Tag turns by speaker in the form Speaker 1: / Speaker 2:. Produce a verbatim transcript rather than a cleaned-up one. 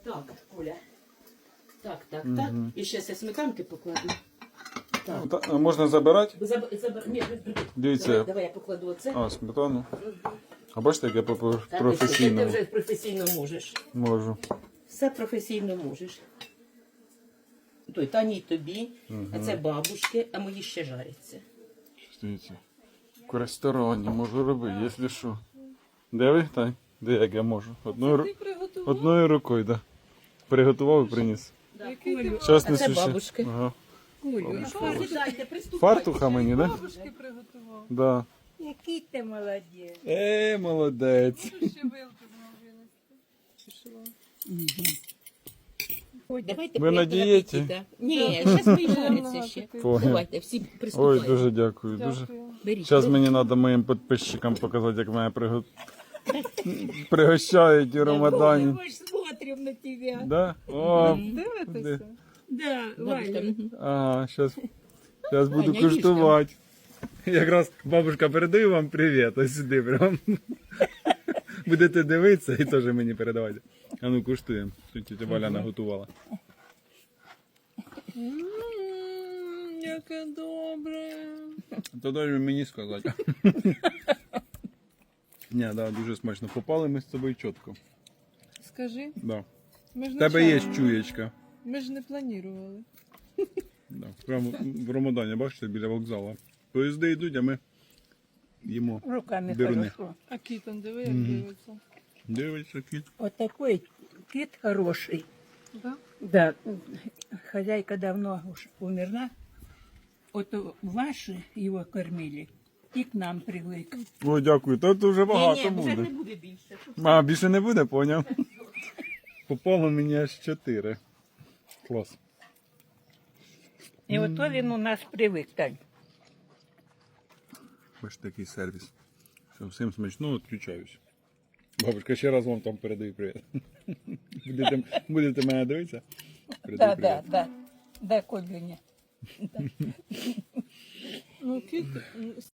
Speaker 1: Так, Оля. Так, так,
Speaker 2: Мгм.
Speaker 1: так. І ще все сметанки покладу. Так.
Speaker 2: Та- а можна забирати?
Speaker 1: Заб... Заб... Ні, не-
Speaker 2: Дивіться.
Speaker 1: Давай, давай я покладу оце.
Speaker 2: А, сметану. А бачите, як я по- по-
Speaker 1: Та ти що,
Speaker 2: професійно
Speaker 1: Ти вже професійно можеш.
Speaker 2: можу.
Speaker 1: Все професійно можеш. Той, Тані й тобі, а це бабушки, а мої ще жаряться.
Speaker 2: Дивіться. В ресторані можу робити, якщо що. Де ви, Тань? Де як я можу? Одною, ру-
Speaker 3: приготував?
Speaker 2: Одною рукою, так. Да. Приготував і приніс.
Speaker 3: Який ти
Speaker 2: Щас
Speaker 1: А
Speaker 2: несу
Speaker 1: це
Speaker 2: ще.
Speaker 1: бабушки.
Speaker 2: Ага.
Speaker 3: Олю,
Speaker 1: Сідайте, приступайте.
Speaker 2: Фартуха мені, да?
Speaker 3: бабушки приготував.
Speaker 2: Да.
Speaker 4: Який ти молодець.
Speaker 2: Е, молодець.
Speaker 3: Ще вилки знову винести.
Speaker 1: Ой, давайте
Speaker 2: Ви на
Speaker 1: приятного
Speaker 2: дієті?
Speaker 1: апетита. Ні, зараз мої жаряться ще.
Speaker 2: Понял.
Speaker 1: Давайте, всі
Speaker 2: Ой,
Speaker 1: приступайте.
Speaker 2: дуже дякую. Дуже.
Speaker 3: Дякую.
Speaker 1: Беріть.
Speaker 2: Зараз мені треба моїм підписчикам показати, як мене приго... пригощають у Рамадані.
Speaker 4: Мы ж смотрим на тебя.
Speaker 2: Да? О,
Speaker 3: Дивитеся?
Speaker 4: Да,
Speaker 1: Бабушка,
Speaker 4: Валя.
Speaker 1: мгм.
Speaker 2: ага, зараз, зараз буду
Speaker 1: Аня, їж
Speaker 2: куштувати. Якраз бабушка передаю вам привіт, ось сюди прям. Будете дивитися і теж мені передавайте. А ну куштуємо, що тітя Валя наготувала.
Speaker 3: Ммм, яке добре.
Speaker 2: То дай мені сказати. Ні, да, дуже смачно. Попали ми з тобою чітко.
Speaker 3: Скажи,
Speaker 2: Да.
Speaker 3: ми ж
Speaker 2: В
Speaker 3: не
Speaker 2: тебе є
Speaker 3: чали.
Speaker 2: чуєчка.
Speaker 3: Ми ж не планували.
Speaker 2: Да. Прямо в Рамадані, бачите, біля вокзалу. Поїзди йдуть, а ми їмо.
Speaker 4: Руками
Speaker 2: Дурне.
Speaker 4: хорошо.
Speaker 3: А кітон диви, як дивиться.
Speaker 2: Дивиться кіт.
Speaker 4: Вот такой кит хороший.
Speaker 3: Да?
Speaker 4: Да, хозяйка давно уж умерла. Вот ваши его кормили и к нам привык.
Speaker 2: О, дякую. Тут вже
Speaker 1: Ні,
Speaker 2: багато
Speaker 1: ні, вже не
Speaker 2: буде.
Speaker 1: буде більше.
Speaker 2: А, більше не буде, поняв? Попало мені аж чотири. Клас.
Speaker 4: И вот то він у нас привык, Тань.
Speaker 2: Ось такий сервіс. Все, всім смачно, відключаюсь. Бабушка, ще раз вам там передаю привіт. Будете, будете мене дивитися? Передаю
Speaker 4: Да, да,
Speaker 2: привіт.
Speaker 4: да. Да, Кобюня.
Speaker 3: Ну, кіт